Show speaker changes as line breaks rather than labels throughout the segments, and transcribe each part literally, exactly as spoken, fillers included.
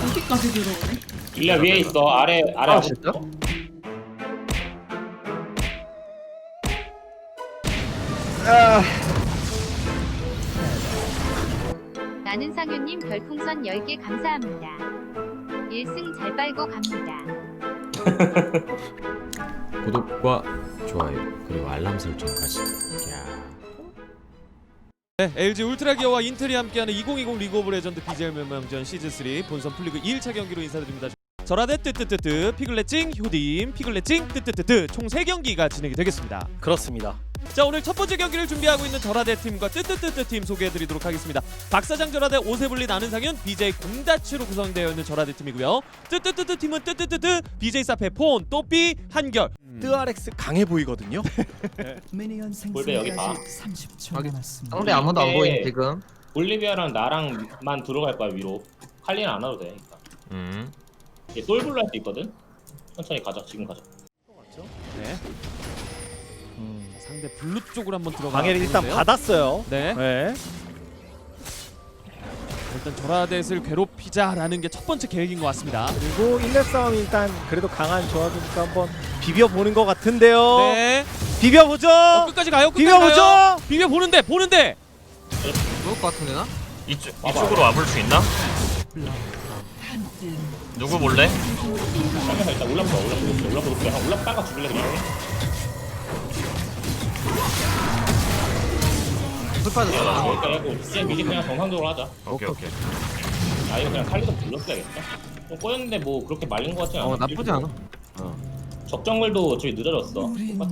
여기까지 들어오네.
일리아 위에 있어. 아래 아래.
아,
하고
진짜?
있어.
아,
나는 상윤님 별풍선 열 개 감사합니다. 일 승 잘 빨고 갑니다.
구독과 좋아요 그리고 알람 설정까지. 야.
네, 엘지 울트라 기어와 인텔이 함께하는 이천이십 리그 오브 레전드 비젤 명명전 시즌 삼 본선 풀리그 일 차 경기로 인사드립니다. 저라데 뜨뜨뜨뜨 피글렛징 효딤 피글렛징 뜨뜨뜨뜨 총 세 경기가 진행이 되겠습니다.
그렇습니다.
자, 오늘 첫 번째 경기를 준비하고 있는 저라데 팀과 뜨뜨뜨뜨 팀 소개해드리도록 하겠습니다. 박사장 저라데 오세블리 나는상윤 비제이 공다치로 구성되어 있는 저라데 팀이고요. 뜨뜨뜨뜨 팀은 뜨뜨뜨뜨 비제이 사페 폰 또삐 한결. 음.
뜨아렉스 강해 보이거든요.
볼베 여기 봐.
삼십 초
여기.
남았습니다.
상대 아무도 안
이게-
보임 지금.
볼리비아랑 나랑만 들어갈 거야 위로. 칼리는 안 와도 돼. 일단.
음.
얘 솔블로 할 수 있거든. 천천히 가자. 지금 가자.
네. 자, 상대 블루 쪽으로 한번 들어가.
방해를 일단
보는데요.
받았어요.
네.
네.
일단 저라데를 괴롭히자라는 게 첫 번째 계획인 것 같습니다.
그리고 일 렙 싸움이 일단 그래도 강한 조합이니까 한번 비벼보는 것 같은데요.
네.
비벼보죠.
어, 끝까지 가요. 끝까지
비벼보죠.
가요. 비벼 보는데 보는데.
좋을 것 같은데 나?
이쪽 이쪽으로 와볼 수 있나? 누구 볼래?
잠깐만 일단 올라프 올라프 높게 올라프 높게 한 올라프 따가 죽을래 그냥.
풀 빠졌어.
여기까지 하고 이제 미리 그냥 정상적으로 하자.
오케이 오케이.
아 이거 그냥 칼리도 불렀어야겠다. 좀 꼬였는데 뭐 그렇게 말린 것 같진 않아.
어 나쁘지 않아.
적정글도 저기 늦어졌어. 똑같아.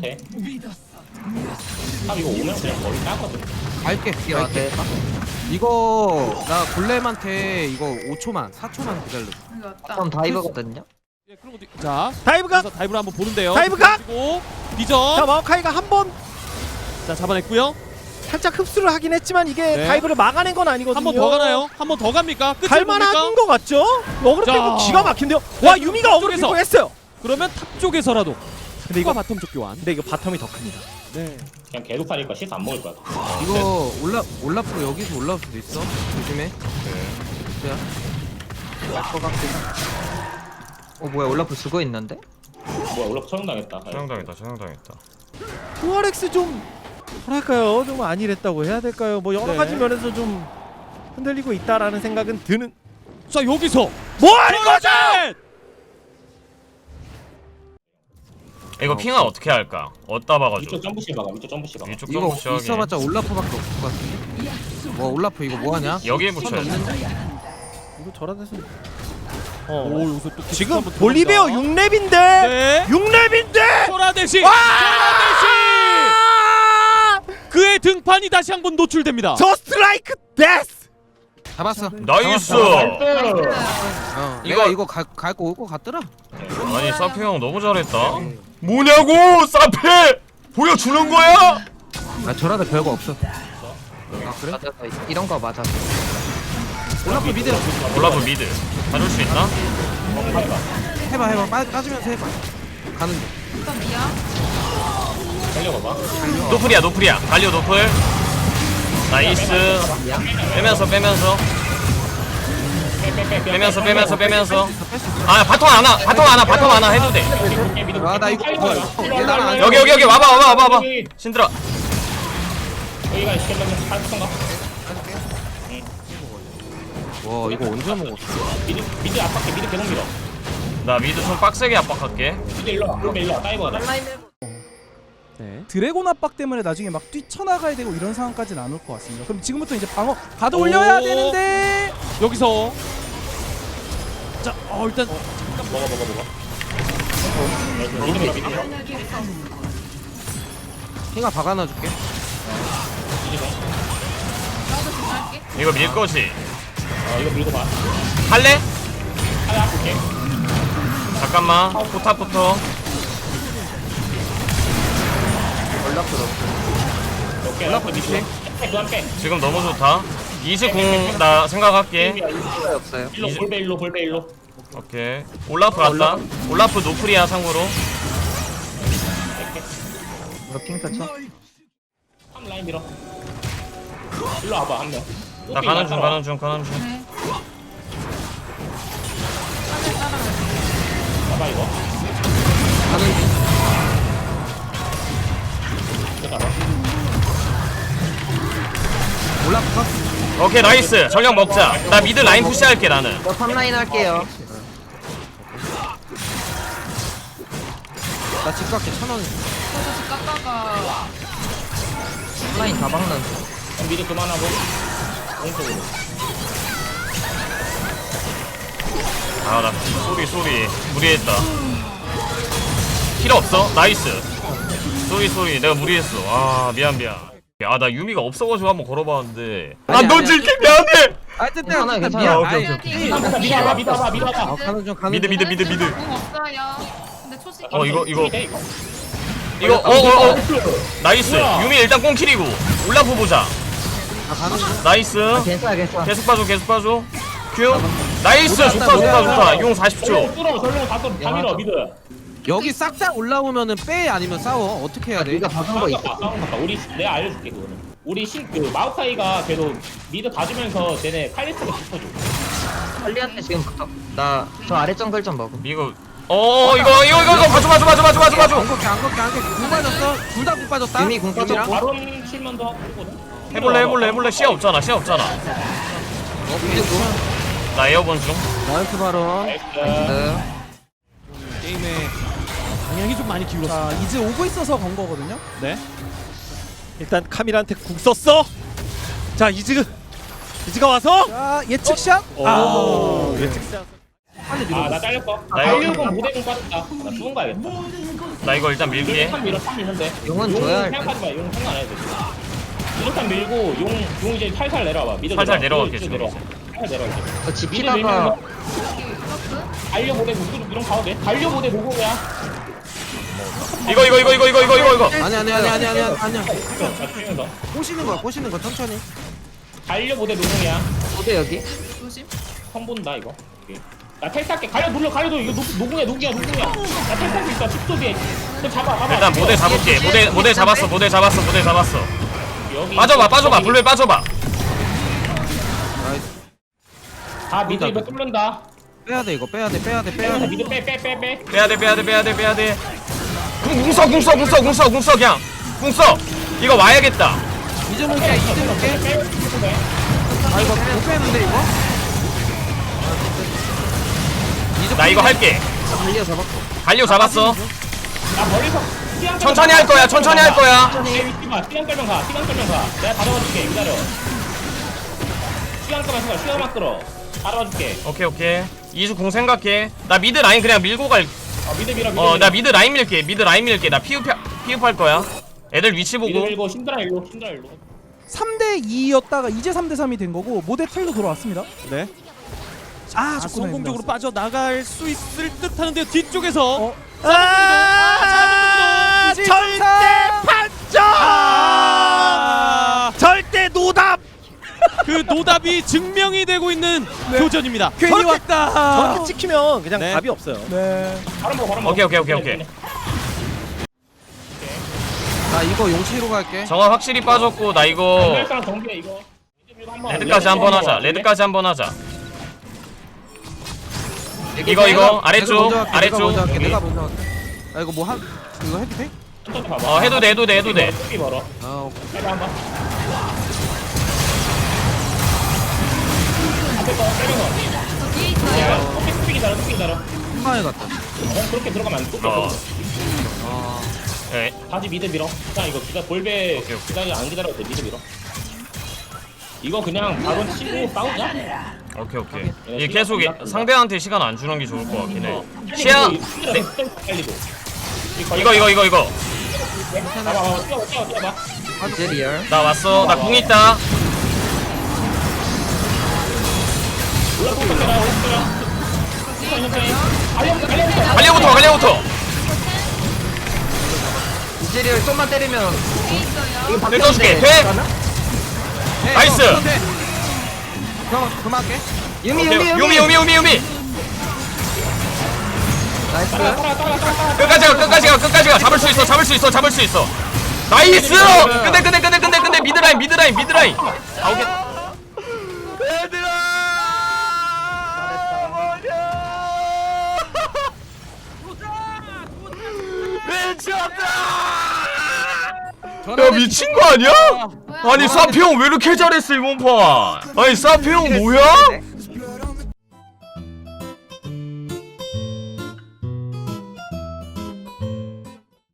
탑 이거 오면 그냥 머리 따거든.
갈게. 갈게. 이거 나 골렘한테 이거 오 초만 사 초만 기다려.
이거 왔다.
그럼 다이버거든요.
예, 그럼 어디- 자,
다이브가.
그래서 다이브를 한번 보는데요.
다이브가!
그리고 비전.
자 마오카이가 한번
자, 잡아냈고요.
살짝 흡수를 하긴 했지만 이게
네.
다이브를 막아낸 건 아니거든요.
한 번 더 가나요? 한 번 더 갑니까? 끝을
갈만한
봅니까?
것 같죠? 어그로
자.
빼고 기가 막힌데요.
네,
와 유미가 어그로
쪽에서.
빼고 했어요.
그러면 탑 쪽에서라도.
근데 이거
바텀 쪽 교환.
근데 이거 바텀이 더 큽니다.
네.
그냥 계속 하니까 시스 안 먹을 거야.
이거 올라 올라프 여기서 올라올 수도 있어. 조심해. 자. 거 같긴. 어 뭐야 올라프 죽어 있는데?
뭐야 올라프 처형당했다.
처형당했다 처형당했다.
투아렉스 좀 뭐랄까요? 좀 안일했다고 해야 될까요? 뭐 여러
네.
가지 면에서 좀 흔들리고 있다라는 생각은 드는.
자, 여기서
뭐 하는 거죠?
저라데!
이거 핑아 어떻게 할까? 어디다 박아줘?
위쪽 점프실 박아. 위쪽 점프실 박아.
이쪽
이거
정도 시작이.
있어봤자 올라프밖에 없을 것 같은데. 뭐 올라프 이거 뭐 하냐?
여기에 붙여야 돼.
이거 저라데서. 어.
오, 여기서 또
지금
한번
볼리베어
들어갑니다.
육 렙인데
네.
육 렙인데
저라데시.
와!
저라데시. 그의 등판이 다시 한번 노출됩니다.
저 스트라이크 데스.
잡았어.
나이스.
어,
이거-
내가 이거 갈거 올 것 같더라.
아니 사페 형 너무 잘했다. 뭐냐고 사페 보여주는 거야?
아 저라도 별거 없어. 아 그래? 맞아. 이런 거 맞아. 올라프 미드.
올라프 미드. 가줄 수 있나?
해봐 해봐. 빠, 빠지면서 해봐. 가는 중.
일단 미야.
달려봐봐.
노플이야 노플이야. 갈리오 노플. 나이스. 빼면서 빼면서 빼면서 빼면서 빼면서. 아 바텀 안와 바텀 안와 바텀 안와 해도 돼.
아, 나 이거 뭐야, 이거. 얘들아, 안
여기 여기 여기 와봐 와봐 와봐 와봐. 신들아.
여기가 시켰는데 팔성가?
와 이거 언제 먹었어?
미드 미드 압박해. 미드 계속 밀어.
나 미드 좀 빡세게 압박할게.
미드 일로 와. 볼베 일로 와. 다이버 가자.
네.
드래곤 압박 때문에 나중에 막 뛰쳐나가야 되고 이런 상황까지는 안 올 것 같습니다. 그럼 지금부터 이제 방어 가도 올려야
오.
되는데
여기서 자, 어 일단
먹어 먹어 먹어. 미드 밀어 미드 밀어.
핑아 박아놔줄게.
이거 밀 거지.
어 이거 밀고 봐.
할래?
하나 볼게.
잠깐만. 포탑부터.
오케이. 올라프 미드. 그만 빼.
지금 너무 좋다. 이십공 나 생각할게.
없어요.
일로 볼베 일로 볼베 일로.
오케이. 올라프 갔다. 올라프 노플이야 참고로.
이거 핑 터쳐.
한 라인 밀어. 일로 와봐 한 명.
나 가는 중 가는 중 가는 중.
네.
잡아 이거.
가는 중.
이거 잡아.
올라프.
오케이 나이스. 전력 먹자. 나 미드 라인 푸시할게 나는.
저 탑라인 할게요. 나 집 갈게 천 원.
저도 집 갔다가
탑라인 다 박는.
그럼 미드 그만하고 오른쪽으로.
아나 쏘리 쏘리 무리했다. 필요 없어. 나이스. 쏘리 쏘리 내가 무리했어. 아 미안 미안. 아 나 유미가 없어가지고 한번 걸어봤는데 안
아니,
던질게 미안해.
아 뜨뜻
괜찮아,
뜨뜻
괜찮아.
미안.
오케이,
아이,
오케이,
오케이.
미드 미드 와봐 미드 와봐 미드 와봐.
어, 가는 중 가는
미드
중.
미드 미드 미드.
공 없어요. 근데 초식.
어 이거 이거
돼, 이거.
이거 어어 어. 나이스.
뭐야?
유미 일단 꽁킬이고 올라프 보자.
아 가는 중.
나이스.
괜찮아 괜찮아.
계속 봐줘 계속 봐줘. 큐. 나이스 좋다 좋다 좋다. 용 사십 초.
전령 뚫어 전령 다 뚫어 다 밀어 미드.
여기 싹 다 올라오면은 빼 아니면 싸워 어떻게 해야 돼?
네가 박은 거 있어.
싸움 같다. 우리 내가 알려줄게 그거는. 우리 신그 마우카이가 계속 미드 가주면서 쟤네 칼리스가 붙어줘.
빨리한테 지금 붙어. 나저 아래 정글 좀 먹음.
이거 어 이거 이거 이거 이거 봐줘 봐줘 봐줘 봐줘 봐줘 봐줘.
안 걷게 안 걷게 안 걷게 궁 빠졌어? 둘 다 궁 빠졌다?
유미 궁
이거
빠졌고.
바론 칠만도 하고 거든.
해볼래 해볼래 해볼래 시야 없잖아 시야 없잖아. 나 에어본 중.
나이스 바로
나이스.
네.
게임의 방향이 좀 많이 기울었어.
자 이제 오고 있어서 건 거거든요.
네. 일단 카밀한테 궁 썼어. 자 이즈 이즈가 와서.
자 예측샷.
아 예측샷.
아나 잘렸어.
나 이거-
달려고 모델공 빠졌다. 나 죽은 거야겠다.
나 이거 일단 밀게.
탑 밀어 탑 밀는데.
용은
용
줘야 할 때.
생각하지 마. 용 생각 안 해도 돼. 이렇게 밀고 용, 용 이제 살살 내려와봐. 미드
살살
내려와.
내려갈게,
미드
지금
내려와.
이제.
살살 내려와 이제.
저
미드
지키다가
밀면
여기 울었어?
달려 모델 공 이런 가도 돼. 달려 모델 노공이야.
이거 이거 이거 이거 이거 이거 이거 이거.
아니 아니 아니 아니 아니 아니야
자 죽이면서.
꼬시는 거야 꼬시는 거 천천히
달려 모델 노공이야.
어디 여기?
조심.
선 본다 이거. 오케이. 나 텔탈게. 가려 눌러 가려도 이거 노, 노공이야 노공이야 노공이야. 나 텔탈 수 있어. 십 초 뒤에. 너 잡아 잡아.
일단 모델 잡을게. 모델 모델 잡았어 모델 잡았어 모델 잡았어.
여기
빠져봐 빠져봐
여기.
불배 빠져봐.
아 미드 이거 뚫는다.
빼야 돼 이거 빼야 돼 빼야 돼 빼야
빼야
돼
미드 빼 빼 빼 빼.
빼야 돼 빼야 돼 빼야 돼 빼야 돼. 궁궁써 궁써 궁써 궁써 궁써 그냥 궁써. 이거 와야겠다.
이제 먹게 이제 먹게 아 이거 못 빼는데 이거? 이제
나 이거 할게.
달려 잡았고.
갈려 잡았어.
나 멀리서 시간
천천히 할 거야 천천히 할 거야.
내 위치만 시간 끌면 가 시간 끌면 가 내가 다 잡아줄게 기다려 시간 끌면 생각 시간만 끌어 다 잡아줄게
오케이 오케이. 이주 궁 생각해. 나 미드 라인 그냥 밀고 갈.
어 미드 밀어 미드
어 나
밀어.
미드 라인 밀게. 미드 라인 밀게. 나 피업 피업할 거야. 애들 위치
미드
보고.
밀고 신드라 일로 신드라 일로
삼 대 이였다가 이제 삼 대 삼이 된 거고 모델 텔로 돌아왔습니다.
네.
아,
아,
자꾸
성공적으로
나왔어요.
빠져 나갈 수 있을 듯하는데요. 뒤쪽에서
어?
아
이제
절대
사-
판정.
아,
절대 노답.
그 노답이 증명이 되고 있는 교전입니다.
괜히
저렇게-
왔다.
저렇게 찍히면 그냥
네.
답이 없어요.
네.
바로 먹어 바로 먹어
오케이, 오케이, 오케이, 오케이.
나 이거 용치로 갈게
정화 확실히 빠졌고 나 이거
어 사람 정비해 이거 미드 밀고 한번
레드까지 한번 하자. 레드까지 한번 하자. 이거 이거 아래쪽
내가 먼저 할게, 내가
아래쪽
먼저 할게
여기.
내가 먼저 할게 아 이거 뭐 한 이거 해도 돼?
천천히 봐봐
어 해도 돼 해도 돼 해도 돼.
뚜기 멀어
아 오케이
해봐 한번 앞에 거 때리는
저 뒤에
거
있어요.
야, 뚜기 뚜기 기다려 뚜기 기다려
한방에 갔다
어 그렇게 들어가면 안 돼. 뚜기
어.
아
예.
다시 미드 밀어. 그냥 이거 기다 볼배
오케이, 오케이.
기다려 안 기다려도 돼. 미드 밀어. 이거 그냥 바로 치고 싸우자.
오케이 오케이. 이 계속 이- 상대한테 시간 안 주는 게 좋을 것 같긴 해. 시야.
시야.
네.
빨리도.
이거 이거 이거 이거.
봐봐 봐봐. 뛰어봐 뛰어 뛰어봐.
이제 리얼.
나 왔어. 나 궁 있다.
올라붙어 때라 올라붙어. 천천히 천천히. 알려부터 알려부터.
갈려부터 갈려부터.
이제 리얼 좀만 때리면
뒤에 있어요.
이거
내 떠줄게.
바뀌었는데.
돼?
가나?
네,
나이스!
형, 그럼 돼. 형 그만할게
유미
오케이.
유미
유미 유미 유미 유미.
나이스.
따라 따라 따라 따라.
끝까지 가 끝까지 가 끝까지 가. 잡을 수 있어 잡을 수 있어 잡을 수 있어. 나이스! 근데 근데 근데 근데 근데 미드라인 미드라인 미드라인. 아 오케이. 야 미친 거 아니야? 아니 사피 형 왜 이렇게 잘했어 이번 판? 아니 사피 형 뭐야?